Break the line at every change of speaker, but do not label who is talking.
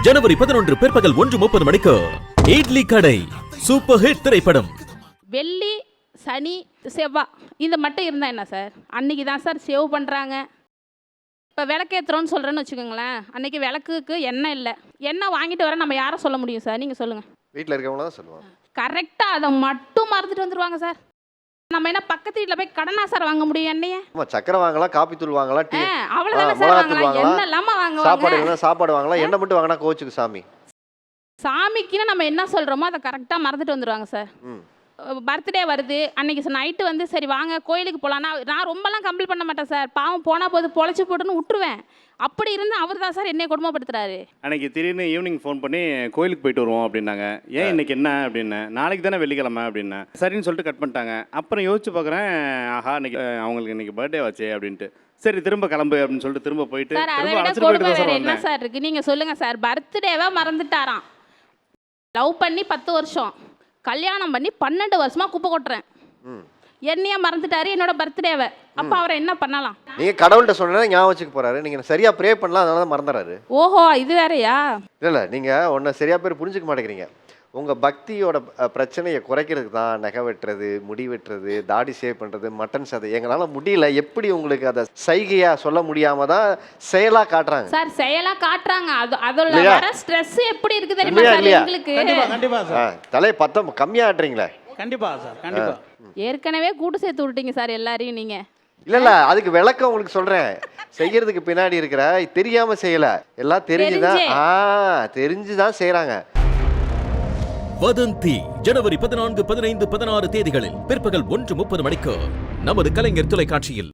ஜனவரி 11 பிற்பகல் 1:30 மணிக்கு இட்லி கடை சூப்பர் ஹிட் திரைப்படம்.
வெள்ளி, சனி, செவ்வாய் இந்த மட்டும் இருந்தால் என்ன சார்? அன்றைக்கி தான் சார் சேவ் பண்ணுறாங்க. இப்போ விளக்கேற்றுறோன்னு சொல்கிறேன்னு வச்சுக்கோங்களேன், அன்றைக்கி விளக்குக்கு எண்ணெய் இல்லை, எண்ணெய் வாங்கிட்டு வர நம்ம யாரை சொல்ல முடியும் சார்? நீங்கள் சொல்லுங்கள்.
வீட்டில் இருக்கவங்கள தான் சொல்லுவாங்க.
கரெக்டாக அதை மட்டும் மறந்துட்டு வந்துடுவாங்க சார். நம்ம என்ன பக்கத்து வீட்டில் போய் கடனா சார் வாங்க முடியும் எண்ணெயை?
சக்கரை வாங்கலாம், காப்பி தூள் வாங்கலாம், டீ
அவ்வளோதானே சார் வாங்கலாம், எண்ணெய் இல்லாமல் வாங்குவாங்க.
சாப்பாடு வாங்கலாம், எண்ணெய் மட்டும் வாங்கினா கோச்சுக்கு சாமி.
சாமிக்குன்னு நம்ம என்ன சொல்கிறோமோ அதை கரெக்டாக மறந்துட்டு வந்துடுவாங்க சார். பர்த்டே வருது, அன்றைக்கி நைட்டு வந்து சரி வாங்க கோயிலுக்கு போகலான்னா நான் ரொம்பலாம் கம்ப்ளீட் பண்ண மாட்டேன் சார். பாவம் போனால் போது பொழைச்சி போட்டுன்னு விட்டுருவேன். அப்படி இருந்து அவர் தான் சார் என்னை கொடுமைப்படுத்துறாரு.
அன்றைக்கி திடீர்னு ஈவினிங் ஃபோன் பண்ணி கோயிலுக்கு போயிட்டு வருவோம் அப்படின்னாங்க. ஏன் இன்றைக்கி என்ன அப்படின்னேன். நாளைக்கு தானே வெள்ளிக்கிழமை அப்படின்னேன். சரின்னு சொல்லிட்டு கட் பண்ணிட்டாங்க. அப்புறம் யோசிச்சு பார்க்குறேன், ஆஹா இன்னைக்கு அவங்களுக்கு இன்றைக்கி பர்த்டே ஆச்சு அப்படின்ட்டு. சரி திரும்ப கிளம்பு அப்படின்னு சொல்லிட்டு திரும்ப போயிட்டு
சார் அதை விட கொடுமை வேறு என்ன சார் இருக்குது? நீங்கள் சொல்லுங்கள் சார். பர்த்டேவை மறந்துட்டாராம். லவ் பண்ணி 10 வருஷம், கல்யாணம் பண்ணி 12 வருஷமாக குப்பை கொட்டுறேன். என்னையே மறந்துட்டாரு, என்னோட பர்த்டேவை. அப்போ அவரை என்ன பண்ணலாம்?
நீங்க கடவுள்கிட்ட சொன்னா ஞாபகம் வச்சுக்க போறாரு. நீங்க சரியா ப்ரே பண்ணலாம், அதனால தான் மறந்துறாரு.
ஓஹோ, இது வேறையா?
இல்லை நீங்க ஒன்றை சரியா பேர் புரிஞ்சுக்க மாட்டேங்கிறீங்க. உங்க பக்தியோட பிரச்சனையை குறைக்கிறதுக்கு தான் நகை வெட்டுறது, முடி வெட்டுறது, தாடி சேவ் பண்றது, மட்டன் சதை. எங்களால முடியல. எப்படி உங்களுக்கு அதை சைகையா சொல்ல முடியாம தான் செயலா காட்டுறாங்க
சார். செயலா காட்டுறாங்க. அதோட வர ஸ்ட்ரெஸ் எப்படி இருக்கு தெரியுமா சார் எங்களுக்கு?
கண்டிப்பா சார்.
தலை பத்தம் கம்மியா ஆட்டுறீங்களே.
கண்டிப்பா சார், கண்டிப்பா.
ஏற்கனவே கூட்டு சேர்த்து விட்டீங்க சார் எல்லாரையும் நீங்க.
இல்ல அதுக்கு விளக்கம் உங்களுக்கு சொல்றேன். செய்யறதுக்கு பின்னாடி இருக்கிற தெரியாம செய்யல, எல்லாம் தெரிஞ்சுதான் செய்யறாங்க.
வதந்தி ஜனவரி 14, 15, 16 தேதிகளில் பிற்பகல் 1:30 மணிக்கு நமது கலைஞர் தொலைக்காட்சியில்.